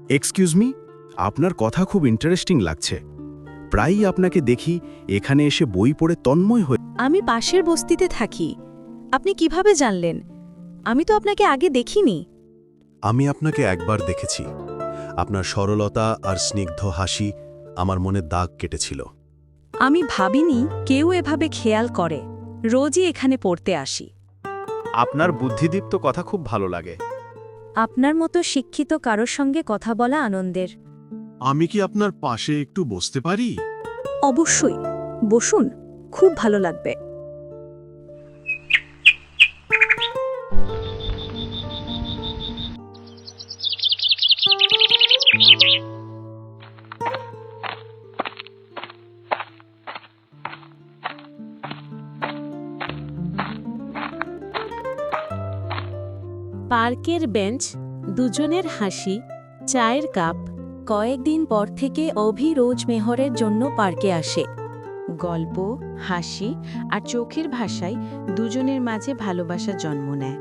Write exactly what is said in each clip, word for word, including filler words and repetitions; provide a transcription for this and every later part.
Excuse me, আপনার কথা খুব ইন্টারেস্টিং লাগছে। প্রায়ই আপনাকে দেখি এখানে এসে বই পড়ে তন্ময় হয়ে। আমি পাশের বস্তিতে থাকি। আপনি কিভাবে জানলেন? আমি তো আপনাকে আগে দেখিনি। আমি আপনাকে একবার দেখেছি। আপনার সরলতা আর স্নিগ্ধ হাসি আমার মনে দাগ কেটেছিল। আমি ভাবিনি কেউ এভাবে খেয়াল করে। রোজই এখানে পড়তে আসি। আপনার বুদ্ধিদীপ্ত কথা খুব ভালো লাগে। আপনার মতো শিক্ষিত কারোর সঙ্গে কথা বলা আনন্দের। আমি কি আপনার পাশে একটু বসতে পারি? অবশ্যই, বসুন, খুব ভালো লাগবে। পার্কের বেঞ্চ, দুজনের হাসি, চায়ের কাপ। কয়েকদিন পর থেকে অভি রোজ মেহরের জন্য পার্কে আসে। গল্প, হাসি আর চোখের ভাষায় দুজনের মাঝে ভালোবাসা জন্ম নেয়।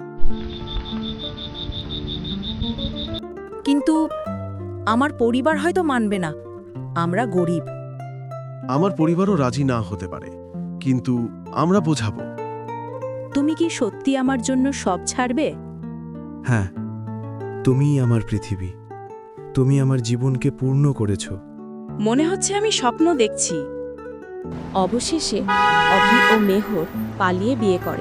কিন্তু আমার পরিবার হয়তো মানবে না। আমরা গরিব। আমার পরিবারও রাজি না হতে পারে, কিন্তু আমরা বোঝাবো। তুমি কি সত্যি আমার জন্য সব ছাড়বে? হ্যাঁ, তুমিই আমার পৃথিবী। তুমি আমার জীবনকে পূর্ণ করেছ। মনে হচ্ছে আমি স্বপ্ন দেখছি। অবশেষে অভি ও মেহর পালিয়ে বিয়ে করে।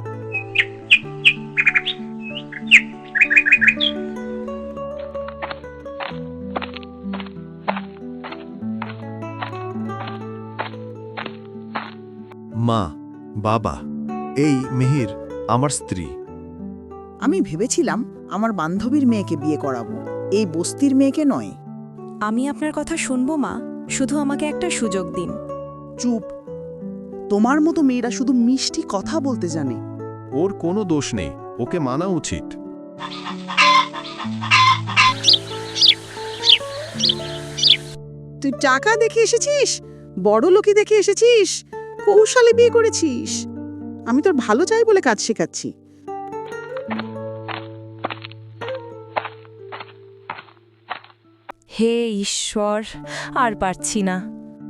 মা, বাবা, এই মেহির আমার স্ত্রী। আমি ভেবেছিলাম আমার বান্ধবীর মেয়েকে বিয়ে করাবো, এই বস্তির মেয়েকে নয়। আমি আপনার কথা শুনবো মা, শুধু আমাকে একটা সুযোগ দিন। চুপ। তোমার মতো মেয়েরা শুধু মিষ্টি কথা বলতে জানে। ওর কোনো দোষ নেই, ওকে মানা উচিত। তুই টাকা দেখে এসেছিস, বড় লোকই দেখে এসেছিস, কৌশলে বিয়ে করেছিস। আমি তোর ভালো চাই বলে কাজ শেখাচ্ছি। হে ঈশ্বর, আর পারছি না।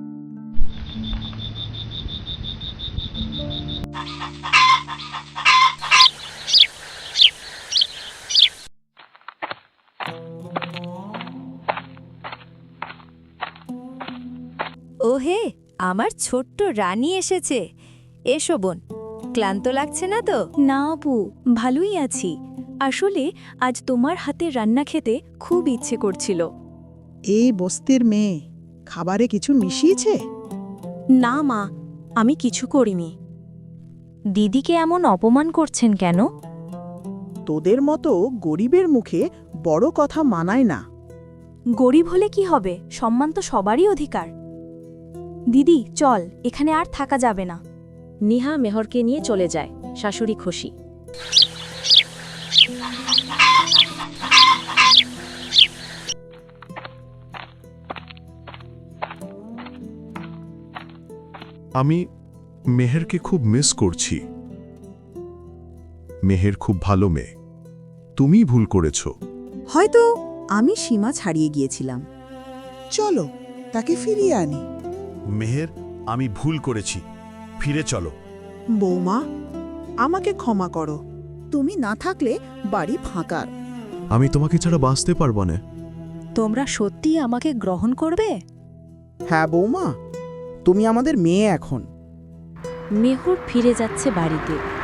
ওহে, আমার ছোট্ট রানী এসেছে। এসো বোন, ক্লান্ত লাগছে না তো? না আপু, ভালোই আছি। আসলে আজ তোমার হাতে রান্না খেতে খুব ইচ্ছে করছিল। এই বস্তির মেয়ে খাবারে কিছু মিশিয়েছে? না মা, আমি কিছু করিনি। দিদিকে এমন অপমান করছেন কেন? তোদের মতো গরিবের মুখে বড় কথা মানায় না। গরিব হলে কি হবে, সম্মান তো সবারই অধিকার। দিদি চল, এখানে আর থাকা যাবে না। নিহা মেহরকে নিয়ে চলে যায়। শাশুড়ি খুশি। আমি মেহেরকে খুব মিস করছি। মেহের খুব ভালো মেয়ে, তুমি ভুল করেছ। হয়তো আমি সীমা ছাড়িয়ে গিয়েছিলাম। চলো তাকে ফিরিয়ে আনি। মেহের, আমি ভুল করেছি, ফিরে চলো। বৌমা, আমাকে ক্ষমা করো। তুমি না থাকলে বাড়ি ফাঁকা। আমি তোমাকে ছাড়া বাঁচতে পারবো না। তোমরা সত্যি আমাকে গ্রহণ করবে? হ্যাঁ বৌমা, তুমি আমাদের মেয়ে এখন। মেহর ফিরে যাচ্ছে বাড়িতে।